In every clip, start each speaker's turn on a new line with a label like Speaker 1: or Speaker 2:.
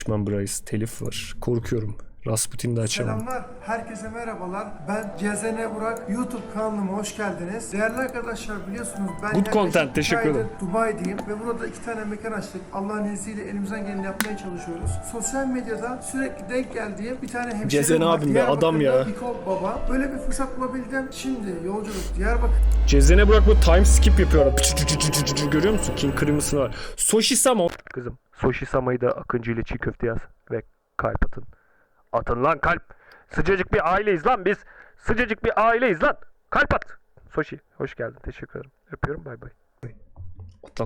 Speaker 1: Bryce telif var. Korkuyorum. Rasputin de açamam.
Speaker 2: Selamlar, herkese merhabalar. Ben CZN Burak. YouTube kanalıma hoş geldiniz. Değerli arkadaşlar, biliyorsunuz ben
Speaker 1: Good content, teşekkür ederim.
Speaker 2: Dubai'deyim ve burada 2 tane mekan açtık. Allah'ın izniyle elimizden geleni yapmaya çalışıyoruz. Sosyal medyada sürekli denk geldiğim bir tane hemşehrim
Speaker 1: CZN
Speaker 2: var.
Speaker 1: abim be, adam ya.
Speaker 2: Hiko Baba. Böyle bir fırsat bulabildim. Şimdi yolculuk Diyarbakır.
Speaker 1: CZN Burak bu time skip yapıyor. Görüyor musun? King Crimson var. Soshi Sama. Kızım. Soshi Sama'yı da Akıncı ile çiğ köfte yaz. Ve kalp atın. Atın lan kalp. Sıcacık bir aileyiz lan biz. Sıcacık bir aileyiz lan. Kalp at. Soshi hoş geldin. Teşekkür ederim. Öpüyorum. Bay bay. Atlan.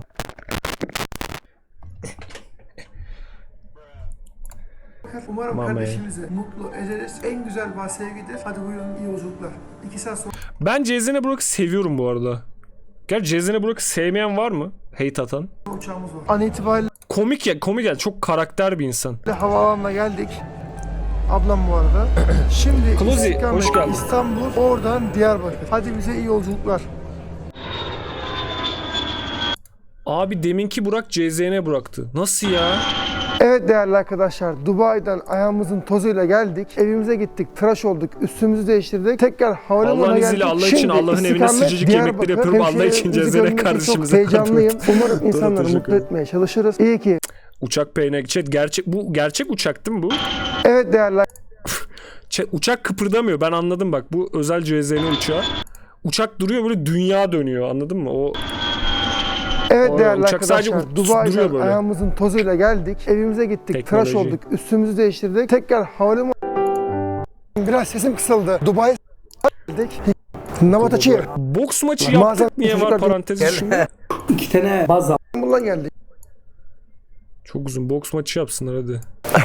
Speaker 2: Umarım
Speaker 1: Mame.
Speaker 2: kardeşimizi mutlu ederiz. En güzel bahse sevgidir. Hadi buyurun, iyi yolculuklar. 2 saat sonra
Speaker 1: Ben CZN Burak'ı seviyorum bu arada. Gerçi CZN Burak'ı sevmeyen var mı? Hate atan.
Speaker 2: uçağımız var. An itibariyle
Speaker 1: Komik ya, komik ya. Çok karakter bir insan.
Speaker 2: havaalanına geldik. Ablam bu arada. Şimdi
Speaker 1: Klozi,
Speaker 2: istikamet
Speaker 1: hoş geldin.
Speaker 2: İstanbul, oradan Diyarbakır. Hadi bize iyi yolculuklar.
Speaker 1: Abi deminki Burak CZN Burak'tı. Nasıl ya?
Speaker 2: Evet değerli arkadaşlar, Dubai'den ayağımızın tozuyla geldik. Evimize gittik, tıraş olduk, üstümüzü değiştirdik. Tekrar havalimanına
Speaker 1: Allah'ın
Speaker 2: geldik.
Speaker 1: izniyle Allah için
Speaker 2: Şimdi
Speaker 1: Allah'ın evine
Speaker 2: istikamet
Speaker 1: sıcacık yemekleri
Speaker 2: Diyarbakır.
Speaker 1: yapıyorum. Allah için
Speaker 2: Hemşehrilerimizi
Speaker 1: CZN
Speaker 2: görmek için
Speaker 1: kardeşimize
Speaker 2: çok heyecanlıyım. Umarım
Speaker 1: Doğru,
Speaker 2: insanları
Speaker 1: teşekkür
Speaker 2: mutlu
Speaker 1: ederim.
Speaker 2: etmeye çalışırız. İyi ki.
Speaker 1: Uçak peynek. Chat gerçek uçak değil mi bu?
Speaker 2: Evet değerli
Speaker 1: Chat, uçak kıpırdamıyor. Ben anladım bak. Bu özel CZN uçağı. Uçak duruyor, böyle dünya dönüyor. Anladın mı? O
Speaker 2: Evet
Speaker 1: Vay,
Speaker 2: değerli
Speaker 1: uçak sadece
Speaker 2: arkadaşlar,
Speaker 1: duruyor
Speaker 2: Dubai'den
Speaker 1: böyle.
Speaker 2: ayağımızın tozuyla geldik. Evimize gittik,
Speaker 1: Teknoloji.
Speaker 2: tıraş olduk, üstümüzü değiştirdik. Tekrar havalimanı... Biraz sesim kısıldı. Dubai geldik. Navataçı'ya.
Speaker 1: boks maçı
Speaker 2: Bazen
Speaker 1: yaptık. Niye var
Speaker 2: çocuklar-
Speaker 1: parantez içinde?
Speaker 3: 2 tane baz
Speaker 2: İstanbul'a geldik.
Speaker 1: Çok uzun boks maçı yapsınlar hadi.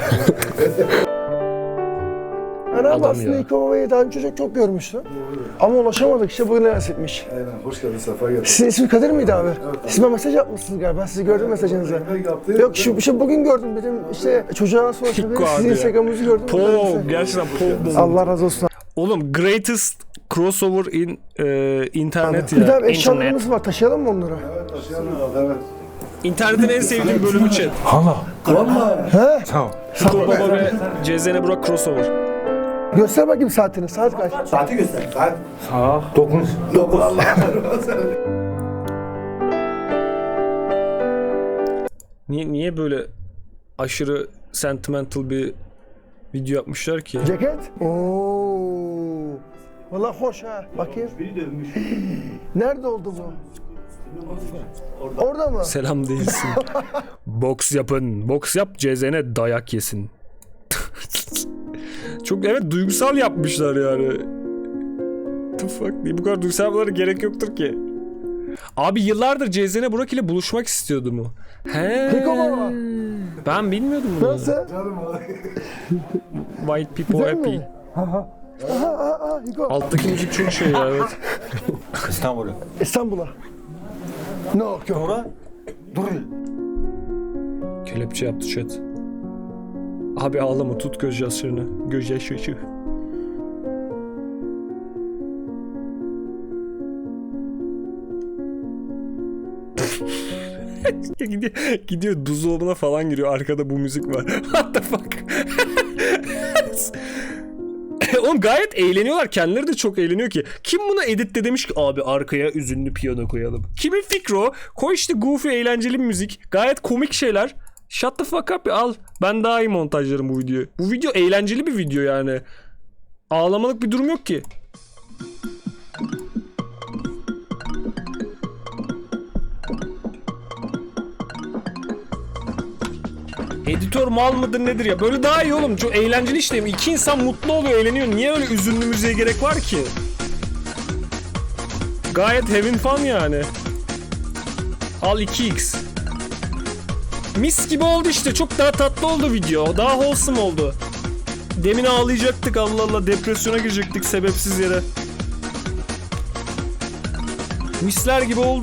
Speaker 2: Ben abi
Speaker 1: Adam
Speaker 2: aslında
Speaker 1: ya.
Speaker 2: İlk Baba'yı daha önce çok görmüştüm. Ama ulaşamadık, işte bugün nasipmiş.
Speaker 4: Aynen, hoş geldin, sefa geldin.
Speaker 2: Sizin ismi Kadir miydi abi? Siz bana mesaj yapmışsınız galiba, sizi gördüm mesajınızı. Yok şu bugün gördüm dedim, işte çocuğa sonra
Speaker 1: Hikko
Speaker 2: sizin
Speaker 1: abi ya.
Speaker 2: Instagram'ınızı gördüm.
Speaker 1: Pov. Gerçekten pov.
Speaker 2: Allah razı olsun.
Speaker 1: Oğlum greatest crossover in internet
Speaker 2: Bir
Speaker 1: ya.
Speaker 2: daha
Speaker 1: İnternet.
Speaker 2: eşyalarımız var, taşıyalım mı onları?
Speaker 4: Evet, taşıyalım, evet.
Speaker 1: İnternetin en sevdiğim bölümü chat.
Speaker 2: He?
Speaker 1: Hikko Baba ve CZN Burak crossover.
Speaker 2: Göster bakayım saatini, saat kaç?
Speaker 4: Saati göster, saat.
Speaker 3: saat 9.
Speaker 4: 9. Allah
Speaker 1: Niye böyle aşırı sentimental bir video yapmışlar ki?
Speaker 2: Ceket? Ooo. Valla hoş ha. Bakayım. Nerede oldu bu? Orada mı?
Speaker 1: Selam değilsin. Boks yapın. Boks yap, CZN dayak yesin. Çok evet duygusal yapmışlar yani. The fuck? Niye bu kadar duygusal yapmaları gerek yoktur ki? Abi yıllardır CZN Burak ile buluşmak istiyordu mu? He.
Speaker 2: Hiko Baba.
Speaker 1: Ben bilmiyordum bunu.
Speaker 2: Nasıl?
Speaker 1: White people
Speaker 2: Güzel
Speaker 1: happy.
Speaker 2: mi? Aha, Hiko.
Speaker 1: Alttaki müzik çok şey ya evet.
Speaker 3: İstanbul'a.
Speaker 2: İstanbul'a. Ne yok yok.
Speaker 3: Sonra dur.
Speaker 1: Kelepçe yaptı chat. Abi ağlama, tut göz yaşlarını. Göz yaşı. gidiyor buzdolabına falan giriyor. Arkada bu müzik var. What the fuck? Oğlum gayet eğleniyorlar. Kendileri de çok eğleniyor ki. Kim buna editte demiş ki abi arkaya üzünlü piyano koyalım. Kimin fikri o? Koy işte goofy eğlenceli bir müzik. Gayet komik şeyler. Shut the fuck up al. Ben daha iyi montajlarım bu videoyu. Bu video eğlenceli bir video yani. Ağlamalık bir durum yok ki. Editör mal mıdır nedir ya? Böyle daha iyi oğlum. Çok eğlenceli işte. İki insan mutlu oluyor, eğleniyor. Niye öyle üzünlü müziğe gerek var ki? Gayet having fun yani. Al 2x. Mis gibi oldu işte. Çok daha tatlı oldu video. Daha wholesome oldu. Demin ağlayacaktık Allah Allah. Depresyona girecektik sebepsiz yere. Misler gibi oldu.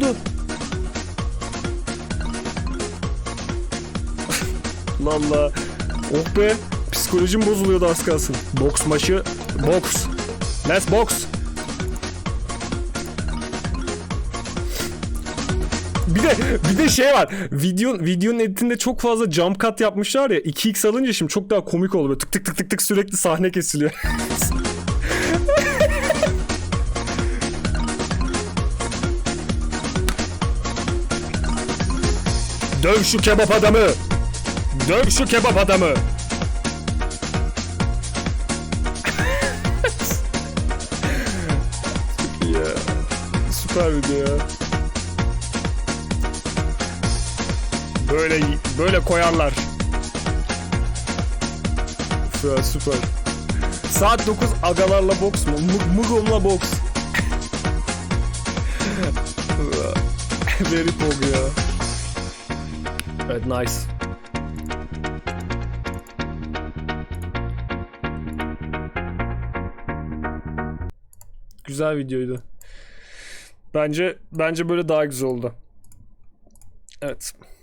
Speaker 1: Allah. Oh be. Psikolojim bozuluyordu az kalsın. Boks maçı. Boks. Let's box. Bir de şey var. Videonun editinde çok fazla jump cut yapmışlar ya. 2x alınca şimdi çok daha komik oldu. Böyle tık tık tık tık tık sürekli sahne kesiliyor. Döv şu kebap adamı. Döv şu kebap adamı. Ya. Süper video ya. Böyle koyarlar. Süper süper. Saat 9 agalarla boks mu? Mugom'la boks. Very pog ya. Evet, nice. Güzel videoydu. Bence böyle daha güzel oldu. Evet.